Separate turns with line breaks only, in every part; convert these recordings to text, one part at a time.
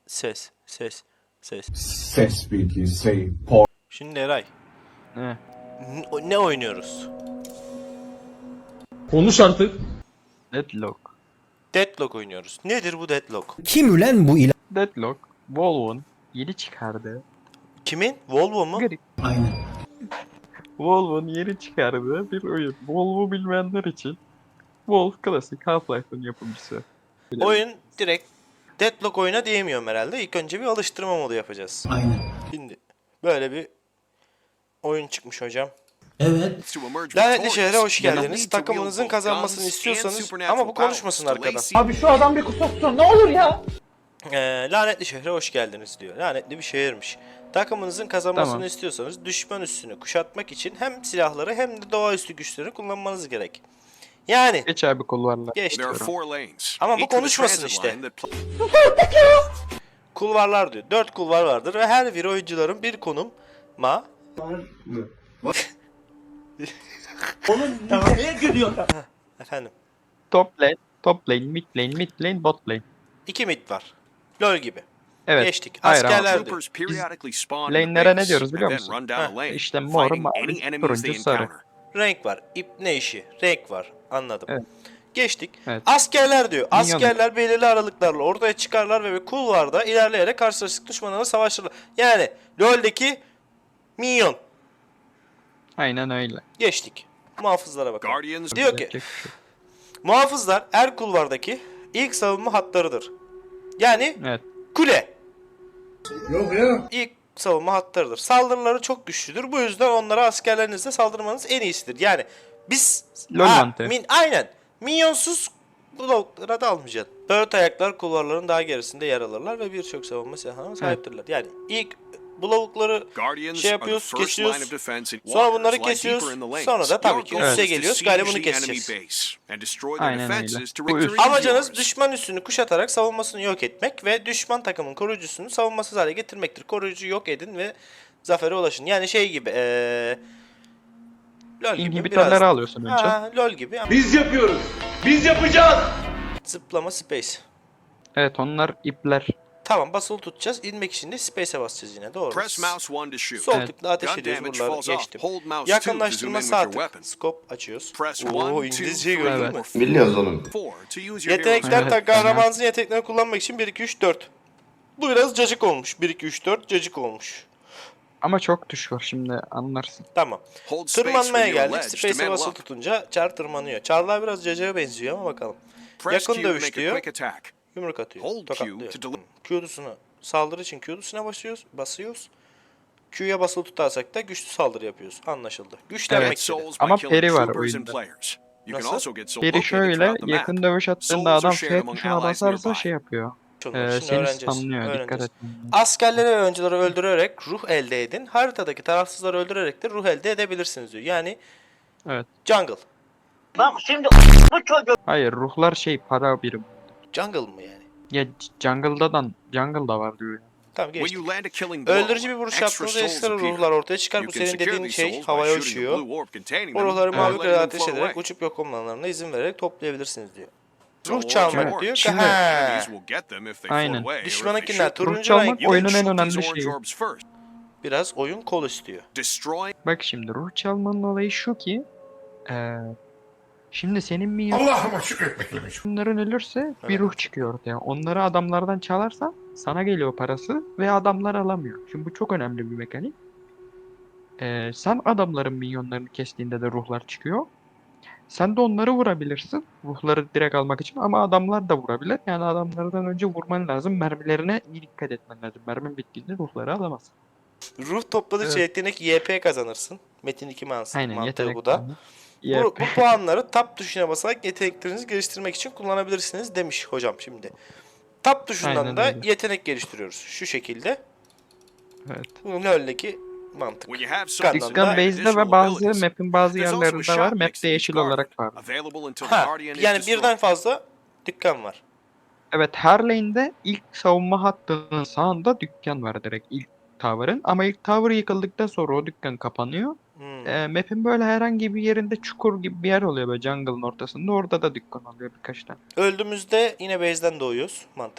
Ses. Ses. Ses.
Ses bilgisi, por
Şimdi Eray.
Ne?
Ne oynuyoruz?
Konuş artık.
Deadlock.
Deadlock oynuyoruz. Nedir bu Deadlock?
Kim ulen bu ilan?
Deadlock. Volvo'nun yeni çıkardığı.
Kimin? Volvo mu?
Garip.
Aynen.
Volvo'nun yeni çıkardığı bir oyun. Volvo bilmeyenler için. Wolf klasik Half-Life'ın yapımcısı.
Oyun direkt Deadlock oyuna diyemiyorum herhalde. İlk önce bir alıştırma modu yapacağız.
Aynen.
Şimdi böyle bir oyun çıkmış hocam.
Evet.
Lanetli şehre hoş geldiniz. Takımınızın kazanmasını istiyorsanız ama bu konuşmasın arkadan.
Abi şu adam bir kusursun ne olur ya.
Lanetli şehre hoş geldiniz diyor. Lanetli bir şehirmiş. Takımınızın kazanmasını
Tamam.
istiyorsanız düşman üssünü kuşatmak için hem silahları hem de doğaüstü güçleri kullanmanız gerek. Yani
Geç abi kulvarlar.
geçti.
There are 4 lanes.
Ama bu
Each with a
konuşmasın
transit
işte.
line that
Kulvarlar diyor. 4 kulvar vardır ve her bir oyuncuların bir konum
Neye gülüyor?
efendim.
Top lane, mid lane, bot lane.
2 mid var. LoL gibi.
Evet.
Geçtik.
Hayır ama
Askerler diyor.
troopers periodically spawn in the
lane'lere ne
base
diyoruz biliyor
and then
musun?
run down a lane,
İşte mor,
fighting
mavi,
any enemies
turuncu,
they
sarı.
encounter.
Renk var. İp ne işi? Renk var. Anladım.
Evet.
Geçtik.
Evet.
Askerler diyor.
Minyon.
Askerler belirli aralıklarla ortaya çıkarlar ve bir kulvarda ilerleyerek karşılaştık düşmanlarla savaşırlar. Yani LoL'deki minyon.
Aynen öyle.
Geçtik. Muhafızlara bakalım.
Guardians
Diyor ki
Yapacak bir şey.
muhafızlar her kulvardaki ilk savunma hatlarıdır. Yani
Evet.
kule. Yok ya. İlk savunma hatlarıdır. Saldırıları çok güçlüdür. Bu yüzden onlara askerlerinizle saldırmanız en iyisidir. Yani biz
LoL mantığı.
aynen. Minyonsuz bloklara da almayacaksın. Dört ayaklar kulvarların daha gerisinde yer alırlar ve birçok savunma silahına sahiptirler. Yani ilk blokları
Guardians
şey
are the
yapıyoruz,
first line
kesiyoruz.
of defense and
Sonra bunları
walkers lie
kesiyoruz.
deeper in the lanes.
Sonra da tabii
Your
ki
goal
üste
is to
geliyoruz.
siege
Galiba bunu
the enemy
keseceğiz.
base and destroy their
Aynen öyle.
defenses to
Bu
rig the
üst.
region
Amacınız
yours.
düşman üssünü kuşatarak savunmasını yok etmek ve düşman takımın koruyucusunu savunmasız hale getirmektir. Koruyucu yok edin ve zafere ulaşın. Yani şey gibi LoL gibi
İnhibitörleri
biraz.
alıyorsun önce.
LoL gibi ama
Biz yapıyoruz. Biz yapacağız.
zıplama space.
Evet onlar ipler.
Tamam basılı tutacağız. İnmek için de space'e basacağız yine. Doğru.
Press mouse 1 to shoot.
Sol
Evet.
tıkla ateş
Gun
ediyoruz.
damage
Buraları
falls off.
geçtim.
Hold mouse 2 to zoom
Yakınlaştırma
in with
sağ
your
tık.
weapon.
Scope açıyoruz.
Press
Oo
1, 2,
İngilizceyi
3,
gördün mü?
Evet.
biliyoruz oğlum.
4 to use your hero's
Yetenekler
Evet,
tak kahramanınızın yeteneklerini kullanmak için 1 2 3 4. Bu biraz cacık olmuş. 1 2 3 4 cacık olmuş.
Ama çok tuş var şimdi anlarsın.
Tamam.
Hold space
Tırmanmaya
when you're
geldik.
ledge to
Space'e
mantle
basılı
up.
tutunca Char tırmanıyor. Char'lar biraz cacığa benziyor ama bakalım.
Press
Yakın
Q to
dövüş
make a
diyor.
quick attack.
Yumruk atıyor.
Hold Q
Tokatlıyor.
to deliver.
Q'dusunu saldırı için Q'dusuna basıyoruz. Q'ya basılı tutarsak da güçlü saldırı yapıyoruz. Anlaşıldı. Güçlenmek
Evet.
istedi.
Souls by
Ama
killing
peri var
troopers and
oyunda.
players. You can
Nasıl?
also get soul
Biri
located
şöyle
throughout the map.
yakın dövüş attığında
Souls are
adam
shared
F
among
tuşuna
allies
basarsa
nearby.
şey yapıyor.
Şunları şimdi
Seni
öğreneceğiz.
stunlıyor. Dikkat
Öğreneceğiz.
et.
Askerleri ve oyuncuları öldürerek ruh elde edin. Haritadaki tarafsızları öldürerek de ruh elde edebilirsiniz diyor. Yani
Evet.
jungle.
Hayır ruhlar şey para birim.
Jungle mı yani?
Ya jungle'da var diyor.
Tamam
When
geçtik.
you land a killing blow,
Öldürücü bir vuruş
extra
yaptığınızda
souls
ekstra
appear.
ruhlar ortaya çıkar.
You
Bu
can
senin
secure
dediğin
these
şey
souls by
havaya
shooting a
uçuyor.
blue orb containing
O
them
ruhları
and
mavi
letting
kırada
them
ateş
float
ederek
away.
uçup yok olmalarına izin vererek toplayabilirsiniz diyor.
So
Ruh çalmak
orange
diyor.
Şimdi-
enemies
Ha.
will get them if they
Aynen.
float away, or if they
Düşmanınkiler
shoot them.
Ruh
turuncu
çalmak
renk.
You can
oyunun en
shoot
önemli
these orange
şeyi.
orbs first.
Biraz oyun kol istiyor.
Destroy
Bak şimdi ruh çalmanın olayı şu ki şimdi senin minyonların
Allah'ıma şükretmek
ölürse bir
Evet.
ruh çıkıyor ortaya. Onları adamlardan çalarsan sana geliyor parası ve adamlar alamıyor. Şimdi bu çok önemli bir mekanik. Sen adamların minyonlarını kestiğinde de ruhlar çıkıyor. Sen de onları vurabilirsin. Ruhları direkt almak için ama adamlar da vurabilir. Yani adamlardan önce vurman lazım. Mermilerine iyi dikkat etmen lazım. Mermin bittiğinde ruhları alamazsın.
Ruh topladıkça
Evet.
yetenek YP kazanırsın. Metin 2 mantığı
Aynen yetenek
bu da.
puanı.
Bu puanları tab tuşuna basarak yeteneklerinizi geliştirmek için kullanabilirsiniz demiş hocam şimdi. Tab tuşundan
Aynen
da
öyle.
yetenek geliştiriyoruz. Şu şekilde.
Evet.
Bu LoL'deki mantık.
when you have
Dükkan
some
Dükkan base'de
additional
ve bazı
abilities.
map'in bazı
There's also a
yerlerinde var.
shop next
Map'te
to each
yeşil
guardian,
olarak var.
available until the
Ha,
guardian is
yani
destroyed.
birden fazla dükkan var.
Evet her lane'de ilk savunma hattının sağında dükkan var direkt ilk tower'ın. Ama ilk tower yıkıldıktan sonra o dükkan kapanıyor. Map'in böyle herhangi bir yerinde çukur gibi bir yer oluyor böyle jungle'ın ortasında. Orada da dükkan oluyor birkaç tane.
Öldüğümüzde yine base'den doğuyoruz. Mantık.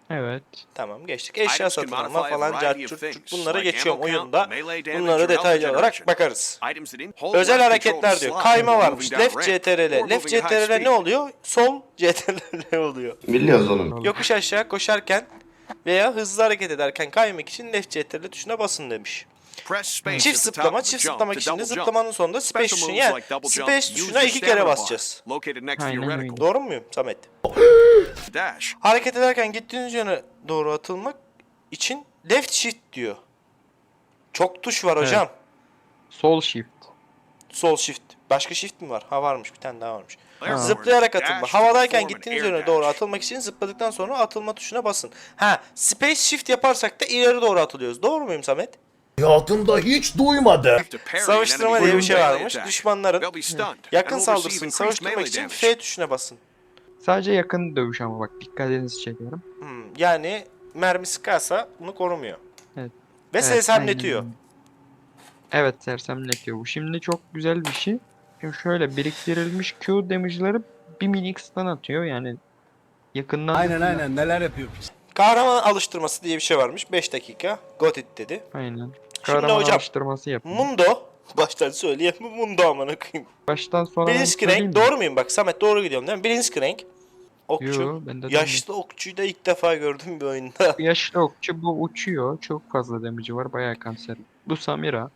Evet.
Tamam geçtik. Eşya
Items can
satın alma
modify a
falan
variety of
cart
things,
bunları
like
geçiyorum
ammo count,
oyunda.
melee damage,
Bunları
or
detaylı
health
olarak
generation.
bakarız.
Items that hold
Özel
left
hareketler
control
diyor.
slide
Kayma
while
varmış.
moving down
Left
ramp,
CTRL.
or
Left
moving at high
CTRL ne
speed.
oluyor? Sol CTRL ne oluyor?
Biliyoruz oğlum.
Yokuş aşağı koşarken veya hızlı hareket ederken kaymak için Left CTRL tuşuna basın demiş.
Press space
Çift
at the top
zıplama.
of the
Çift
jump
zıplamak
to
için de
double jump.
zıplamanın sonunda space
Special
tuşuna
moves
yani
like double jump
space
use
tuşuna
your
2 kere
stamina bar,
basacağız.
located next to your
Aynen
reticle.
öyle.
Doğru muyum Samet?
Dash.
Hareket ederken gittiğiniz yöne doğru atılmak için left shift diyor. Çok tuş var hocam.
Sol shift.
Sol shift. Başka shift mi var? Ha varmış. Bir tane daha varmış.
Airborne.
Zıplayarak atılma.
Dash to
Havadayken
perform an
gittiğiniz
air
yöne doğru
dash.
atılmak için zıpladıktan sonra atılma tuşuna basın. Ha, space shift yaparsak da ileri doğru atılıyoruz. Doğru muyum Samet?
Hayatımda hiç duymadım.
Have to parry an
Savaştırma
enemy
diye bir şey
melee
varmış.
attack.
Düşmanların
They'll be stunned
yakın
and will receive
saldırısını
increased
savaştırmak
melee
için
damage.
F tuşuna basın.
Sadece yakın dövüş ama bak dikkatinizi çekiyorum.
Yani mermi sıkarsa bunu korumuyor.
Evet.
Ve
Evet,
sersemletiyor.
aynen. Evet sersemletiyor bu. Şimdi çok güzel bir şey. Şimdi şöyle biriktirilmiş Q damage'ları bir minik stun atıyor yani yakından.
Aynen neler yapıyor.
Kahraman alıştırması diye bir şey varmış. 5 dakika. Got it dedi.
Aynen. Kahraman
hocam,
alıştırması yapıyor.
Mundo. Baştan söyleyeyim. Mundo amına koyayım.
Baştan sona ben söyleyeyim
Blitzcrank.
mi?
Doğru muyum? Bak Samet doğru gidiyorum değil mi? Blitzcrank. Okçu.
Yo, ben de
Yaşlı okçuyu da ilk defa gördüm bir oyunda.
Yaşlı okçu bu uçuyor. Çok fazla damage'i var. Bayağı kanser. Bu Samira.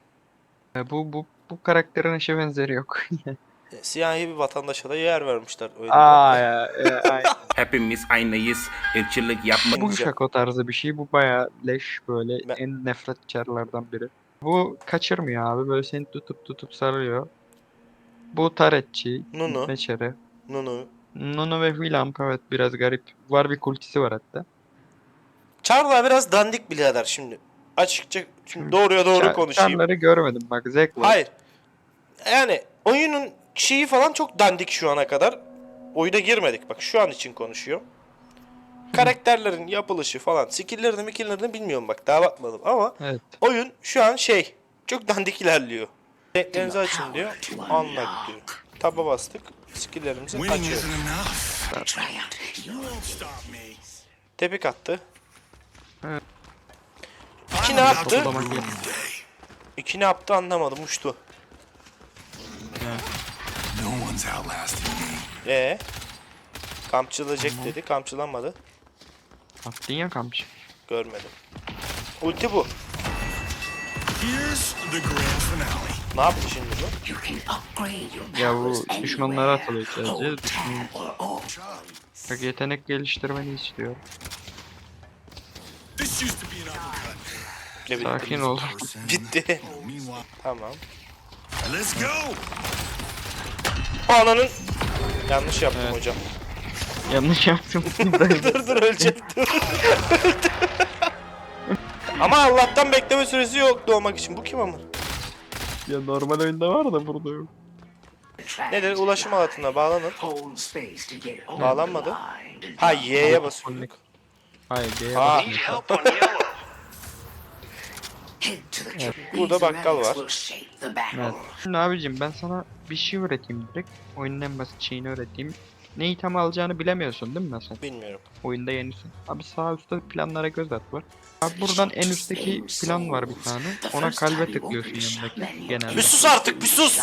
Bu karakterin eşi benzeri yok.
Siyahi bir vatandaşa da yer vermişler oyunda.
Ay.
Hepimiz aynıyız. Irkçılık yapma.
Bu şako tarzı bir şey. Bu bayağı leş böyle
Ben-
en nefret çarlardan biri. Bu kaçırmıyor abi. Böyle seni tutup sarıyor. Bu taretçi.
Nunu.
Meçere.
Nunu.
Nunu ve Willamp evet biraz garip. Var bir kultisi var hatta.
Charla biraz dandik birader şimdi. Açıkça şimdi doğruya doğru konuşayım.
Çarları görmedim bak zevk var.
Hayır. Yani oyunun şeyi falan çok dandik şu ana kadar. Oyuna girmedik. Bak şu an için konuşuyorum. Karakterlerin yapılışı falan. Skill'lerini bilmiyorum bak. Daha bakmadım ama
Evet.
oyun şu an şey. Çok dandik ilerliyor. Renklerinizi açın diyor. Anladık diyor. Taba bastık. Skill'lerimizi açıyoruz. Tepik attı.
Evet.
İki ne yaptı?
Toplamak değil.
İki ne yaptı anlamadım. Uçtu. Kampçılayacak dedi. Kampçılanmadı.
Attın ya kamçı.
Görmedim. Ulti bu. Ne yaptı şimdi bu?
Ya bu düşmanlara atılıyor sadece. Bak yetenek geliştirmeni istiyor.
Ne bileyim.
Sakin ol.
Bitti. Tamam. Ananın. Yanlış yaptım
Evet.
hocam.
Yanlış yaptım.
dur ölecektim. Ama Allah'tan bekleme süresi yok doğmak için. Bu kim ama?
Ya normal oyunda var da burada yok.
Nedir? Ulaşım alatına bağlanın. Bağlanmadı. Ha Y'ye basıyorduk.
Hayır G'ye
Ha.
basmıyor.
Burada bakkal var.
Evet. Şimdi abicim ben sana bir şey öğreteyim direkt. Oyunun en basit şeyini öğreteyim. Ne item alacağını bilemiyorsun değil mi mesela?
Bilmiyorum.
Oyunda yenisin. Abi sağ üstte planlara göz at var. Abi buradan en üstteki plan var bir tane. Ona kalbe tıklıyorsun yanındaki genelde.
Bir sus artık bir sus.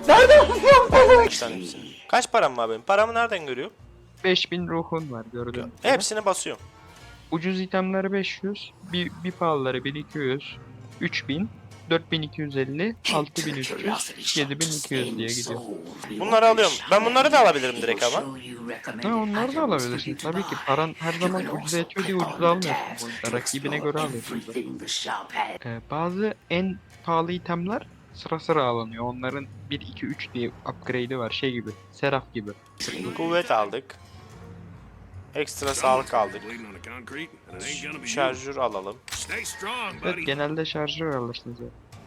Kaç param var benim? Paramı nereden görüyor?
5000 ruhun var gördüğün gibi.
Hepsini basıyorum.
Ucuz itemleri 500, bir pahalıları 1200, 3000, 4250, 6300, 7200 diye gidiyor.
Bunları alıyorum. Ben bunları da alabilirim direkt ama.
Ha onları da alabilirsin. Tabii ki paran her zaman ucuza yetiyor diye ucuz almıyorsun bu oyunda. Rakibine göre alıyorsun. Bazı en pahalı itemler sıra sıra alınıyor. Onların 1, 2, 3 diye upgrade'i var. Şey gibi. Seraf gibi.
Kuvvet aldık. Ekstra sağlık aldık. Şarjör alalım.
Evet genelde şarjör alırsınız ya.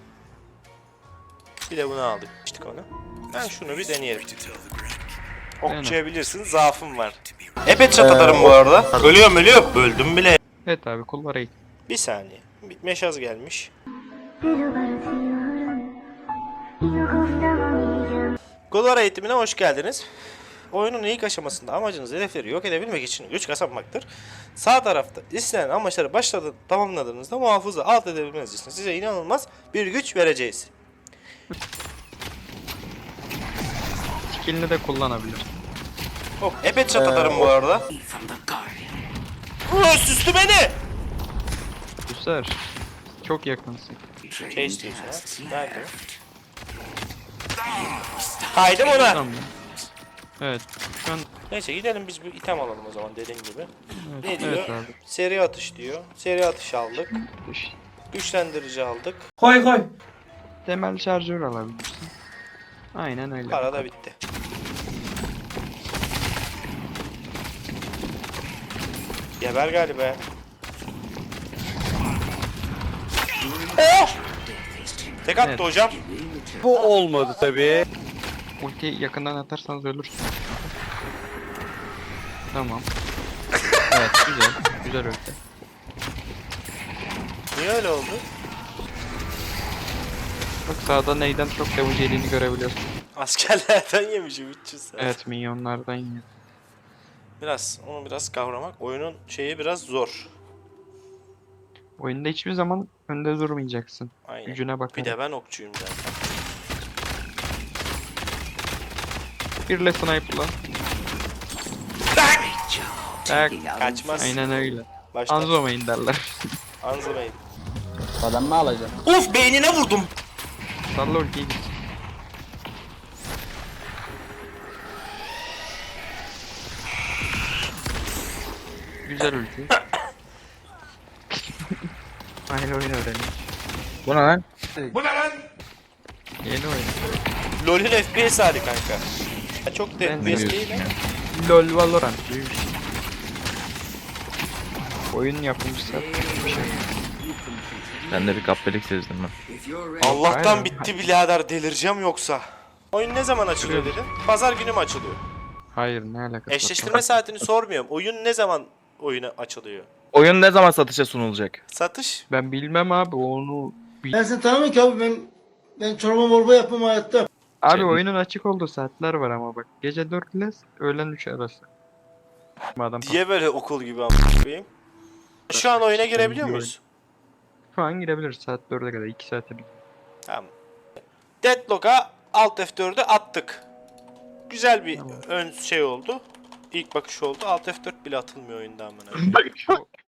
Bir de bunu aldık. İşte onu. Ben şunu bir deneyelim. Okçayabilirsin. Zaafım var. Hep çat atarım bu arada. Ölüyorum. Öldüm bile.
Evet abi kullara git.
Bir saniye. Bir meşaz gelmiş. Golvar eğitimine hoş geldiniz. Oyunun ilk aşamasında amacınız hedefleri yok edebilmek için güç kazanmaktır. Sağ tarafta istenen amaçları tamamladığınızda muhafızı alt edebilmeniz için size inanılmaz bir güç vereceğiz.
Skill'ini de kullanabilir.
Oh, epey çat atarım bu arada. Süslü beni!
Güzel. Çok yakınsın.
Şey istiyorsun ha? Nerede? Kaydım ona.
Tamam. Evet. Şu an
Neyse gidelim biz bir item alalım o zaman dediğim gibi.
evet,
Ne diyor?
evet abi.
Seri atış diyor. Seri atış aldık. Güçlendirici aldık.
Koy koy.
Temel şarjör alabilirsin. Aynen öyle.
Para da bitti. Geber galiba. Oh! Tek attı
Evet.
hocam.
Ultiyi yakından atarsanız ölürsün. Tamam. Evet güzel. Güzel ulti.
Niye öyle oldu?
Bak sağda neyden çok damage yediğini görebiliyorsun.
Askerlerden yemişim 300 saat.
Evet minyonlardan yiyor.
Onu biraz kavramak. Oyunun şeyi biraz zor.
Oyunda hiçbir zaman önde durmayacaksın.
Aynen.
Gücüne
Bir
bakarak.
de ben okçuyum zaten.
Birle sniper'la. Tak.
Kaçmaz.
Aynen öyle.
Baştan.
Anzo main derler.
Anzo Bey.
Adam mı alacağım?
Of beynine vurdum.
Salla ultiyi git. Güzel ulti. Aynı oyun öğreniyor.
Bu ne lan?
Yeni oyun.
LoL'ün FPS hali kanka. Ya çok da
Ben
FPS
de-
değil ama.
LoL Valorant gibi bir şey. Oyun yapımcısı bir şey.
Ben de bir kapbelik sezdim ben.
Allah'tan
Aynen.
bitti birader delireceğim yoksa. Oyun ne zaman açılıyor dedin? Pazar günü mü açılıyor?
Hayır ne alakası var?
Eşleştirme saatini sormuyorum. Oyun ne zaman oyuna açılıyor?
Oyun ne zaman satışa sunulacak?
Satış?
Ben bilmem abi onu.
Ben seni tanımıyorum ki abi, ben çorba morba yapmam hayatta.
Abi oyunun açık olduğu saatler var ama bak. Gece 4 ile öğlen 3 arası. Madem
Diye böyle okul gibi a**ayım. Şu an oyuna girebiliyor muyuz?
şu an girebiliriz saat 4'e kadar 2 saate bir.
Tamam. Deadlock'a Alt F4'ü attık. Güzel bir
Tamam.
ön şey oldu. İlk bakış oldu. Alt F4 bile atılmıyor oyunda amına.